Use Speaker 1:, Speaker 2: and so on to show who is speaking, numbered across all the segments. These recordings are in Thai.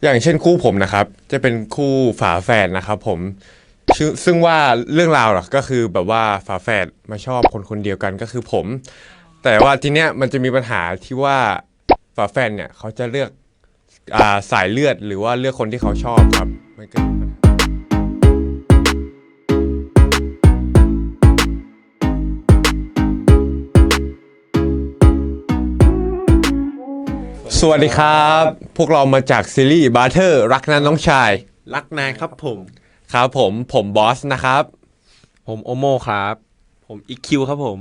Speaker 1: อย่างเช่นคู่ผมนะครับจะเป็นคู่ฝาแฝดนะครับผมซึ่งว่าเรื่องราวหรอกก็คือแบบว่าฝาแฝดมาชอบคนคนเดียวกันก็คือผมแต่ว่าทีเนี้ยมันจะมีปัญหาที่ว่าฝาแฝดเนี่ยเขาจะเลือกสายเลือดหรือว่าเลือกคนที่เขาชอบครับมันก็มีปัญหาสวัสดีครับพวกเรามาจากซีรีส์บาร์เทอร์รักนั้นน้องชาย
Speaker 2: รักนายครับผม
Speaker 1: ครับผมบอสนะครับ
Speaker 2: ผมโอโมครับผมอีคิวครับผม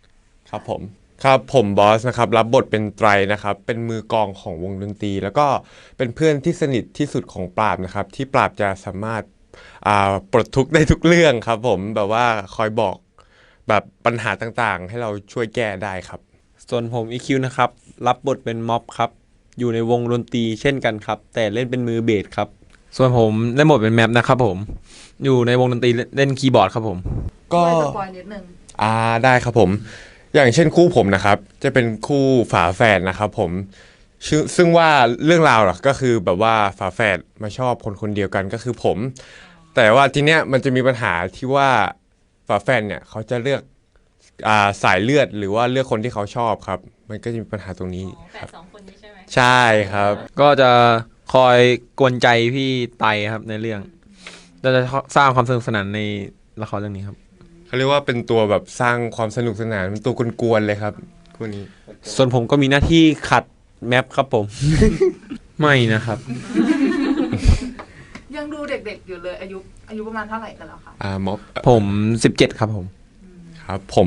Speaker 1: ครับผมบอสนะครับรับบทเป็นไตรนะครับเป็นมือกลองของวงดนตรีแล้วก็เป็นเพื่อนที่สนิทที่สุดของปราบนะครับที่ปราบจะสามารถปลดทุกข์ได้ทุกเรื่องครับผมแบบว่าคอยบอกแบบปัญหาต่างๆให้เราช่วยแก้ได้ครับ
Speaker 2: ส่วนผมอีคิวนะครับรับบทเป็นม็อบครับอยู่ในวงดนตรีเช่นกันครับแต่เล่นเป็นมือเบสครับส่วนผมเล่นบทเป็นแมปนะครับผมอยู่ในวงดนตรีเล่นคีย์บอร์ดครับผม
Speaker 1: ก็
Speaker 3: ช่วยสปอยนิดนึง
Speaker 1: ได้ครับผมอย่างเช่นคู่ผมนะครับจะเป็นคู่ฝาแฝดนะครับผมซึ่งว่าเรื่องราวหรอกก็คือแบบว่าฝาแฝดมาชอบคนคนเดียวกันก็คือผมแต่ว่าทีเนี้ยมันจะมีปัญหาที่ว่าฝาแฝดเนี่ยเขาจะเลือกสายเลือดหรือว่าเลือกคนที่เขาชอบครับมันก็จะมีปัญหาตรงนี้
Speaker 3: แฝดสองคนนี้ใช่ไหม
Speaker 1: ใช่ครับ
Speaker 2: ก็จะคอยกวนใจพี่ไตครับในเรื่องเราจะสร้างความสนุกสนานในละครเรื่องนี้ครับ
Speaker 1: เขาเรียกว่าเป็นตัวแบบสร้างความสนุกสนานเป็นตัวกวนๆเลยครับคู่นี้
Speaker 2: ส่วนผมก็มีหน้าที่ขัดแมปครับผม ไม่นะครับ
Speaker 3: ยังดูเด็กๆอยู่เลยอายุประมาณเท่าไหร่กันแล้วคะ
Speaker 1: ม็อบ
Speaker 2: ผม17ครับผม
Speaker 1: ครับผม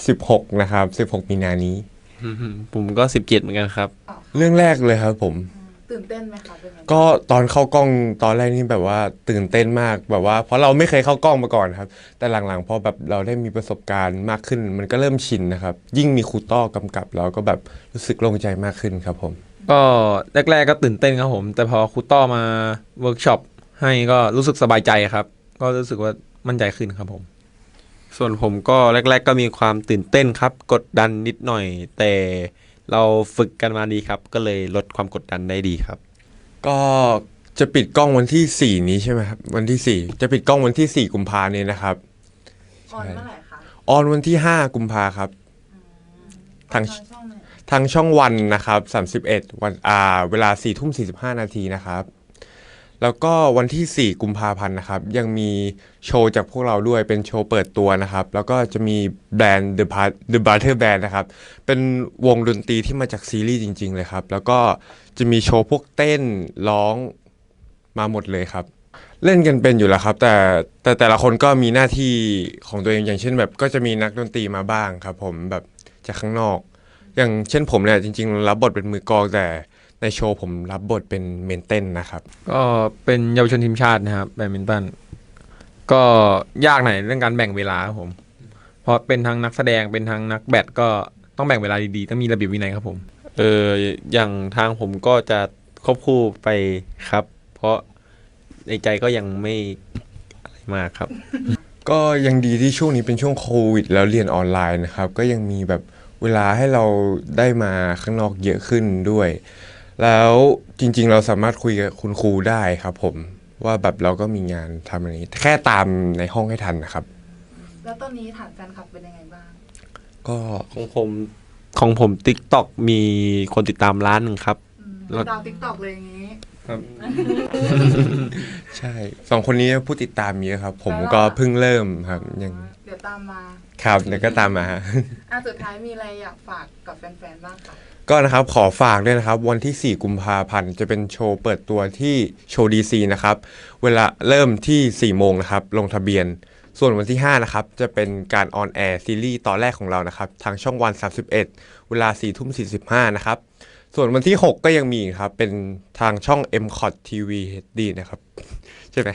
Speaker 1: 16นะครับ16มีนานี้
Speaker 2: ผมก็17เหมือนกันครับ
Speaker 1: เรื่องแรกเลยครับผม
Speaker 3: ตื่นเต้นไหมคะเป็นไง
Speaker 1: ก็ตอนเข้ากล้องตอนแรกนี่แบบว่าตื่นเต้นมากแบบว่าเพราะเราไม่เคยเข้ากล้องมาก่อนครับแต่หลังๆพอแบบเราได้มีประสบการณ์มากขึ้นมันก็เริ่มชินนะครับยิ่งมีครูต้อกำกับเราก็แบบรู้สึกโล่งใจมากขึ้นครับผม
Speaker 2: ก็แรกๆก็ตื่นเต้นครับผมแต่พอครูต้อมาเวิร์กช็อปให้ก็รู้สึกสบายใจครับก็รู้สึกว่ามั่นใจขึ้นครับผมส่วนผมก็แรกๆก็มีความตื่นเต้นครับกดดันนิดหน่อยแต่เราฝึกกันมาดีครับก็เลยลดความกดดันได้ดีครับ
Speaker 1: ก็จะปิดกล้องวันที่4นี้ใช่ไหมครับวันที่4จะปิดกล้องวันที่4กุมภาพันธ์นี้นะครับ
Speaker 3: ออนเมื่อไหร่คะ
Speaker 1: ออนวันที่5กุมภาครับทาง
Speaker 3: ช่องไหน
Speaker 1: ทางช่องวันนะครับ31วันเวลา4:45นาทีนะครับแล้วก็วันที่4กุมภาพันธ์นะครับยังมีโชว์จากพวกเราด้วยเป็นโชว์เปิดตัวนะครับแล้วก็จะมีแบรนด์ The Butter Band นะครับเป็นวงดนตรีที่มาจากซีรีส์จริงๆเลยครับแล้วก็จะมีโชว์พวกเต้นร้องมาหมดเลยครับเล่นกันเป็นอยู่แล้วครับแต่ละคนก็มีหน้าที่ของตัวเองอย่างเช่นแบบก็จะมีนักดนตรีมาบ้างครับผมแบบจากข้างนอกอย่างเช่นผมเนี่ยจริงๆรับบทเป็นมือกลองแต่ในโชว์ผมรับบทเป็นเมนเต้นนะครับ
Speaker 2: ก็เป็นเยาวชนทีมชาตินะครับแบดมินตันก็ยากหน่อยเรื่องการแบ่งเวลาครับผมเพราะเป็นทั้งนักแสดงเป็นทั้งนักแบดก็ต้องแบ่งเวลาดีๆต้องมีระเบียบวินัยครับผมอย่างทางผมก็จะควบคู่ไปครับเพราะในใจก็ยังไม่อะไรมากครับ
Speaker 1: ก็ยังดีที่ช่วงนี้เป็นช่วงโควิดแล้วเรียนออนไลน์นะครับก็ยังมีแบบเวลาให้เราได้มาข้างนอกเยอะขึ้นด้วยแล้วจริงๆเราสามารถคุยกับคุณครูได้ครับผมว่าแบบเราก็มีงานทำอะไรนี้แค่ตามในห้องให้ทันนะครับ
Speaker 3: แล้วตอนนี้ฐานแฟนคลับเป็นยังไงบ้าง
Speaker 1: ก็
Speaker 2: ของผม TikTok มีคนติดตามล้านหนึ่งครับ
Speaker 3: ดาว TikTok เลยอย่างนี้
Speaker 1: ครับใช่2คนนี้ผู้ติดตามเยอะครับผมก็เพิ่งเริ่มครับยัง
Speaker 3: เดี๋ยวตามมา
Speaker 1: ครับเดี๋ยวก็ตามมา
Speaker 3: สุดท้ายมีอะไรอยากฝากกับแฟนๆบ้างคะ
Speaker 1: ก็นะครับขอฝากด้วยนะครับวันที่4กุมภาพันธ์จะเป็นโชว์เปิดตัวที่โชว์ดีซีนะครับเวลาเริ่มที่4 โมงนะครับลงทะเบียนส่วนวันที่5นะครับจะเป็นการออนแอร์ซีรีส์ตอนแรกของเรานะครับทางช่องวัน31เวลา4:45นะครับส่วนวันที่6ก็ยังมีครับเป็นทางช่อง MCOT TV HD นะครับใช่ไหม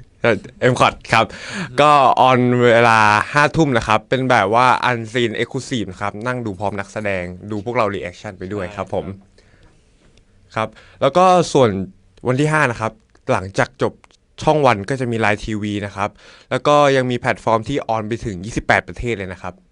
Speaker 1: MCOT ครับก็ออนเวลา5 ทุ่มนะครับเป็นแบบว่าอันซีนเอ็กซ์คลูซีฟนะครับนั่งดูพร้อมนักแสดงดูพวกเรารีแอคชั่นไปด้วยครับผมครับแล้วก็ส่วนวันที่5นะครับหลังจากจบช่องวันก็จะมีไลน์ทีวีนะครับแล้วก็ยังมีแพลตฟอร์มที่ออนไปถึง28 ประเทศเลยนะครับ